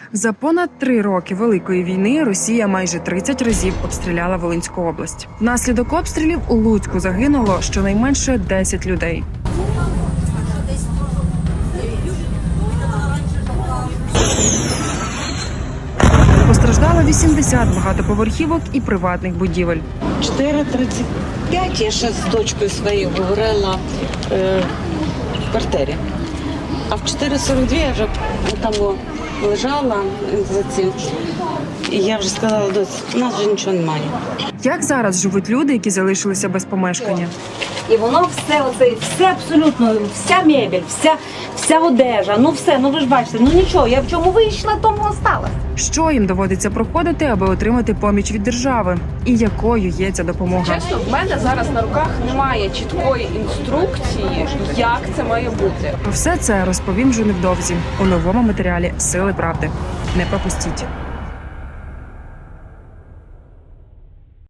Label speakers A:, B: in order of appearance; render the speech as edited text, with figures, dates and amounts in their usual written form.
A: За понад 3 роки Великої війни Росія майже 30 разів обстріляла Волинську область. Внаслідок обстрілів у Луцьку загинуло щонайменше 10 людей. Постраждало 80 багатоповерхівок і приватних будівель.
B: 4:35 я ще з дочкою своєю говорила в квартирі. А в 4:42 я вже там лежала за цим. І я вже сказала, доць, у нас вже нічого немає.
A: Як зараз живуть люди, які залишилися без помешкання?
C: І воно все абсолютно, вся мебель, вся одежа, все, ви ж бачите, нічого, я в чому вийшла, тому осталась.
A: Що їм доводиться проходити, аби отримати поміч від держави? І якою є ця допомога?
D: Чесно, в мене зараз на руках немає чіткої інструкції, як це має бути.
A: Про все це розповім вже невдовзі у новому матеріалі «Сили правди». Не пропустіть.